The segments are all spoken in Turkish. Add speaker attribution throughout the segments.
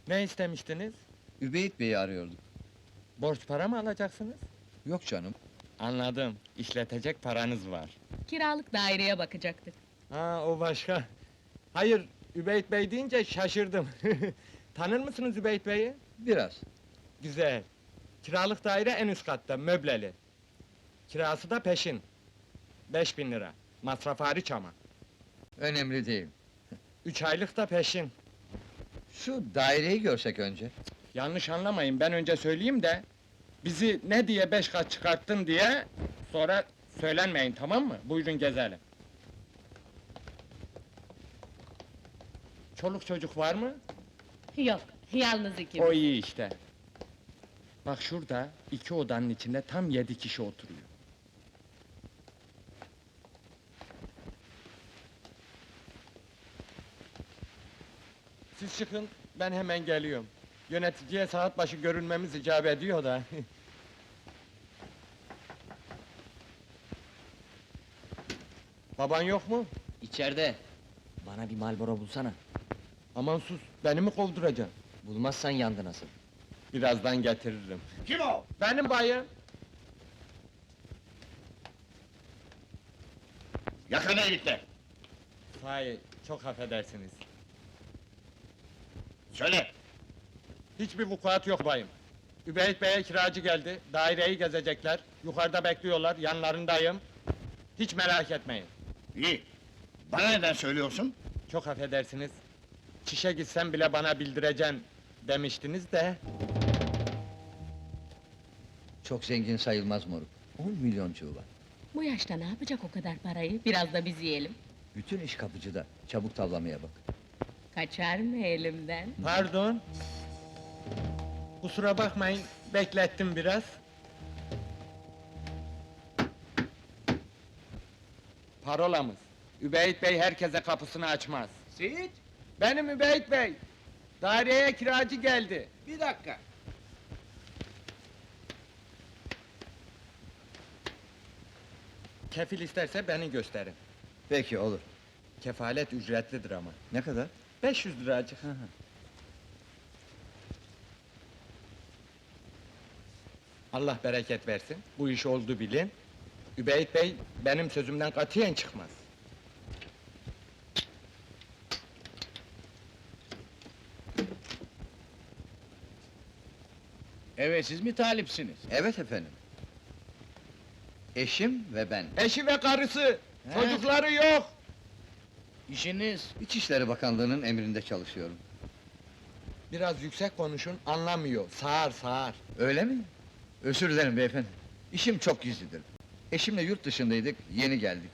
Speaker 1: Ne istemiştiniz?
Speaker 2: Übeyit Bey'i arıyorduk.
Speaker 1: Borç para mı alacaksınız?
Speaker 2: Yok canım.
Speaker 1: Anladım, işletecek paranız var.
Speaker 3: Kiralık daireye bakacaktık.
Speaker 1: Ha, o başka. Hayır, Übeyt Bey deyince şaşırdım. Tanır mısınız Übeyt Bey'i?
Speaker 2: Biraz.
Speaker 1: Güzel. Kiralık daire en üst katta, möbleli. Kirası da peşin. 5.000 lira. Masraf hariç ama.
Speaker 2: Önemli değil.
Speaker 1: 3 aylık da peşin.
Speaker 2: Şu daireyi görsek önce.
Speaker 1: Yanlış anlamayın, ben önce söyleyeyim de... ...bizi ne diye 5 kat çıkarttın diye... ...sonra söylenmeyin, tamam mı? Buyurun gezelim. Çoluk çocuk var mı?
Speaker 3: Yok, yalnız ikimiz.
Speaker 1: O iyi işte. Bak şurada, 2 odanın içinde tam 7 kişi oturuyor. Siz çıkın, ben hemen geliyorum. Yöneticiye saat başı görünmemiz icap ediyor da. Baban yok mu?
Speaker 4: İçeride. Bana bir Marlboro bulsana.
Speaker 1: Aman sus, beni mi kovduracaksın?
Speaker 4: Bulmazsan yandı nasıl?
Speaker 1: Birazdan getiririm.
Speaker 5: Kim o?
Speaker 1: Benim bayım.
Speaker 5: Yakına ilikle.
Speaker 1: Hayır, çok affedersiniz.
Speaker 5: Söyle.
Speaker 1: Hiçbir vukuat yok bayım. Übeyt Bey'e kiracı geldi, daireyi gezecekler, yukarıda bekliyorlar, yanlarındayım. Hiç merak etmeyin.
Speaker 5: İyi. Bana neden söylüyorsun?
Speaker 1: Çok affedersiniz. Çişe gitsem bile bana bildireceksin demiştiniz de...
Speaker 2: Çok zengin sayılmaz moruk. 10 milyoncuğu var.
Speaker 3: Bu yaşta ne yapacak o kadar parayı? Biraz da biz yiyelim.
Speaker 2: Bütün iş kapıcıda. Çabuk tavlamaya bak.
Speaker 3: Kaçar mı elimden?
Speaker 1: Pardon. Kusura bakmayın, beklettim biraz. Parolamız. Übeyt Bey herkese kapısını açmaz.
Speaker 6: Seyit,
Speaker 1: Benim Übeyt Bey. Daireye kiracı geldi.
Speaker 6: bir dakika.
Speaker 1: Kefil isterse beni gösterin.
Speaker 2: Peki olur.
Speaker 1: Kefalet ücretlidir ama.
Speaker 2: Ne kadar?
Speaker 1: 500 liracık. Allah bereket versin. Bu iş oldu bilin. Übeyt Bey benim sözümden katiyen çıkmaz.
Speaker 6: Evet, siz mi talipsiniz?
Speaker 2: Evet efendim. Eşim ve ben.
Speaker 1: Eşi ve karısı,
Speaker 6: He?
Speaker 1: çocukları yok.
Speaker 6: İşiniz?
Speaker 2: İçişleri Bakanlığı'nın emrinde çalışıyorum.
Speaker 1: Biraz yüksek konuşun, anlamıyor. Sağır sağır.
Speaker 2: Öyle mi? Özür dilerim beyefendi. İşim çok gizlidir. Eşimle yurt dışındaydık, yeni geldik.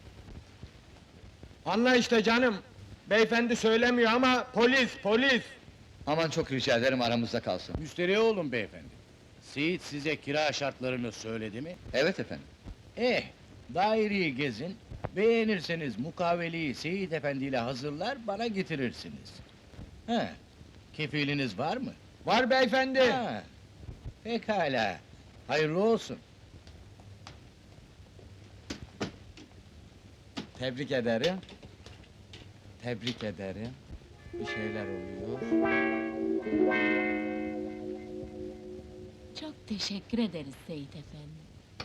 Speaker 1: Anla işte canım. Beyefendi söylemiyor ama polis.
Speaker 2: Aman çok rica ederim aramızda kalsın.
Speaker 6: Müsterih olun beyefendi. Seyit size kira şartlarını söyledi mi?
Speaker 2: Evet efendim.
Speaker 6: Daireyi gezin, beğenirseniz mukaveleyi Seyit Efendi ile hazırlar, bana getirirsiniz. He, kefiliniz var mı?
Speaker 1: Var beyefendi.
Speaker 6: Ha, pekala, hayırlı olsun.
Speaker 1: Tebrik ederim. Tebrik ederim. Bir şeyler oluyor.
Speaker 3: Çok teşekkür ederiz Seyit Efendi.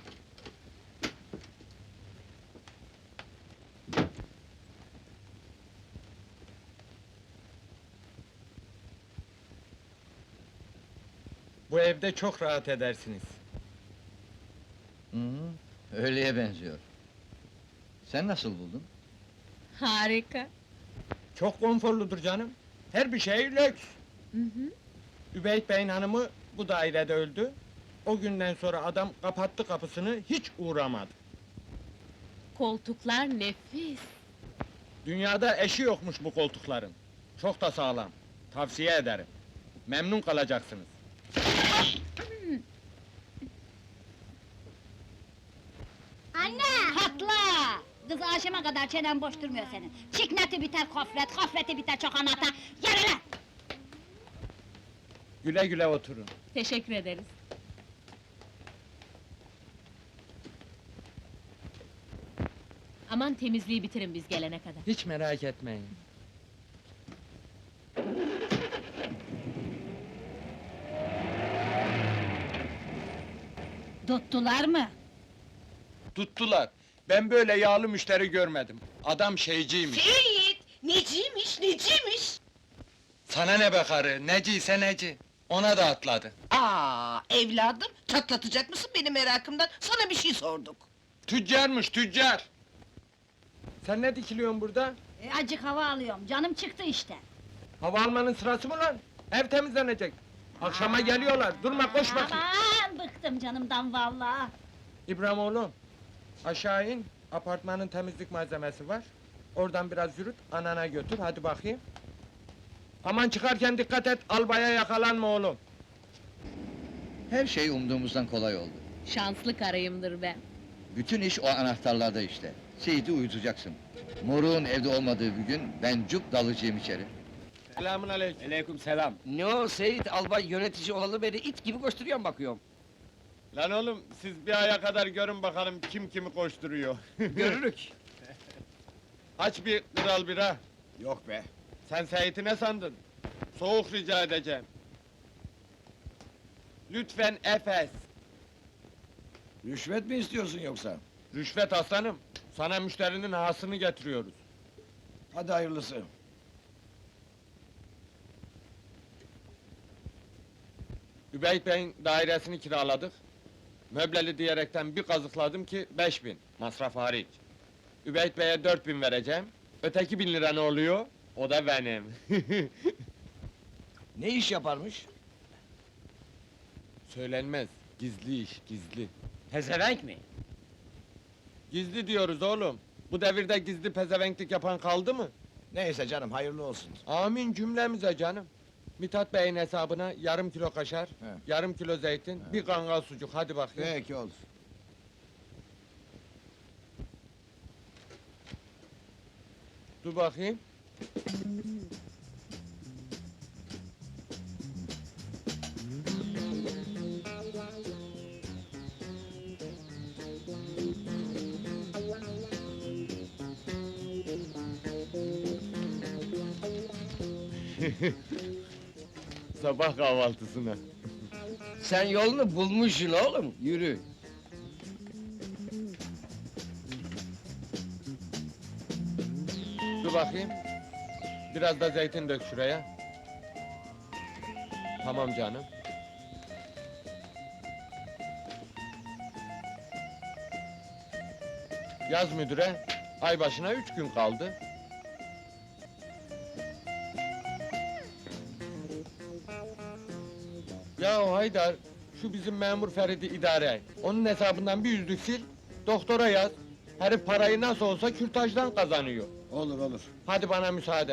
Speaker 1: Bu evde çok rahat edersiniz.
Speaker 2: Hı hı, öyleye benziyor. Sen nasıl buldun?
Speaker 3: Harika.
Speaker 1: Çok konforludur canım. Her bir şey lüks.
Speaker 3: Hı hı.
Speaker 1: Übeyt Bey'in hanımı bu dairede öldü. O günden sonra adam kapattı kapısını, hiç uğramadı.
Speaker 3: Koltuklar nefis.
Speaker 1: Dünyada eşi yokmuş bu koltukların. Çok da sağlam. Tavsiye ederim. Memnun kalacaksınız.
Speaker 7: Anne! Patla! Kız akşama kadar çenen boş durmuyor senin. Çikneti biter kofret, kofreti biter çokanata. Yürü lan!
Speaker 1: Güle güle oturun.
Speaker 3: Teşekkür ederiz. Aman temizliği bitirin biz gelene kadar.
Speaker 1: Hiç merak etmeyin.
Speaker 7: Tuttular mı?
Speaker 1: Tuttular. Ben böyle yağlı müşteri görmedim. Adam şeyciymiş.
Speaker 8: Seyit! Neciymiş?
Speaker 1: Sana ne be karı, neciyse neci. Ona da atladı.
Speaker 8: Aa, evladım, çatlatacak mısın beni merakımdan? Sana bir şey sorduk.
Speaker 1: Tüccarmış, tüccar! Sen ne dikiliyorsun burada?
Speaker 7: Acık hava alıyorum, canım çıktı işte.
Speaker 1: Hava almanın sırası mı lan? Ev temizlenecek. Akşama geliyorlar, durma koş bakayım.
Speaker 7: Aman, bıktım canımdan vallahi.
Speaker 1: İbrahim oğlum, aşağı in, apartmanın temizlik malzemesi var. Oradan biraz yürüt, anana götür, hadi bakayım. Aman çıkarken dikkat et, albaya yakalanma oğlum.
Speaker 2: Her şey umduğumuzdan kolay oldu.
Speaker 3: Şanslı karıyımdır ben.
Speaker 2: Bütün iş o anahtarlarda işte. Seyit'i uyutacaksın. Moruğun evde olmadığı bir gün ben cup dalacağım içeri.
Speaker 1: Selamun aleyküm.
Speaker 6: Aleyküm selam.
Speaker 4: Ne o Seyit albay yönetici olalı beri it gibi koşturuyorum bakıyorum.
Speaker 1: Lan oğlum, siz bir aya kadar görün bakalım kim kimi koşturuyor.
Speaker 4: Görürük.
Speaker 1: Aç bir kral bira.
Speaker 5: Yok be.
Speaker 1: Sen Seyit'i ne sandın? Soğuk rica edeceğim. Lütfen Efes.
Speaker 5: Rüşvet mi istiyorsun yoksa?
Speaker 1: Rüşvet aslanım. Sana müşterinin hasını getiriyoruz.
Speaker 5: Hadi hayırlısı.
Speaker 1: Übeyt Bey'in dairesini kiraladık. Möbleli diyerekten bir kazıkladım ki 5.000, masraf hariç. Übeyt Bey'e 4.000 vereceğim. Öteki 1.000 lira ne oluyor? O da benim.
Speaker 5: Ne iş yaparmış?
Speaker 1: Söylenmez, gizli iş, gizli.
Speaker 6: Pezevenk mi?
Speaker 1: Gizli diyoruz oğlum. Bu devirde gizli pezevenklik yapan kaldı mı?
Speaker 5: Neyse canım, hayırlı olsun.
Speaker 1: Amin cümlemize canım. Mithat Bey'in hesabına yarım kilo kaşar, yarım kilo zeytin, bir kangal sucuk, hadi bakayım.
Speaker 5: Peki olur.
Speaker 1: Dur bakayım. Sabah kahvaltısına.
Speaker 4: Sen yolunu bulmuşsun oğlum, yürü.
Speaker 1: Dur bakayım. Biraz da zeytin dök şuraya. Tamam canım. Yaz müdüre, ay başına 3 gün kaldı. Ya Haydar, şu bizim memur Ferit'i idare et. Onun hesabından bir yüzlük sil, doktora yaz. Herif parayı nasıl olsa kürtajdan kazanıyor.
Speaker 5: Olur olur.
Speaker 1: Hadi bana müsaade.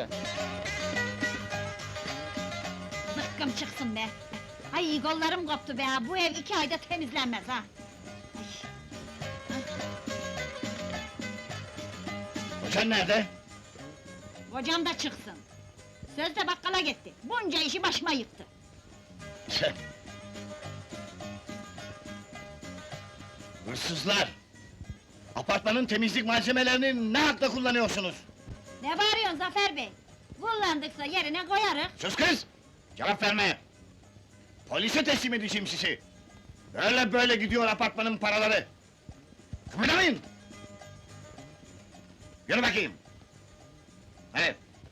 Speaker 7: Zıkkım çıksın be! Ay kollarım koptu be ha, bu ev 2 ayda temizlenmez ha!
Speaker 5: Kocan nerede?
Speaker 7: Kocam da çıksın! Sözde bakkala gitti, bunca işi başıma yıktı!
Speaker 5: Hırsızlar! Apartmanın temizlik malzemelerini ne hakla kullanıyorsunuz?
Speaker 7: Ne bağırıyorsun Zafer Bey? Kullandıksa yerine koyarız!
Speaker 5: Sus kız! Cevap verme! Polise teslim edeceğim sizi! Böyle gidiyor apartmanın paraları! Kıpırdamayın! Yürü bakayım!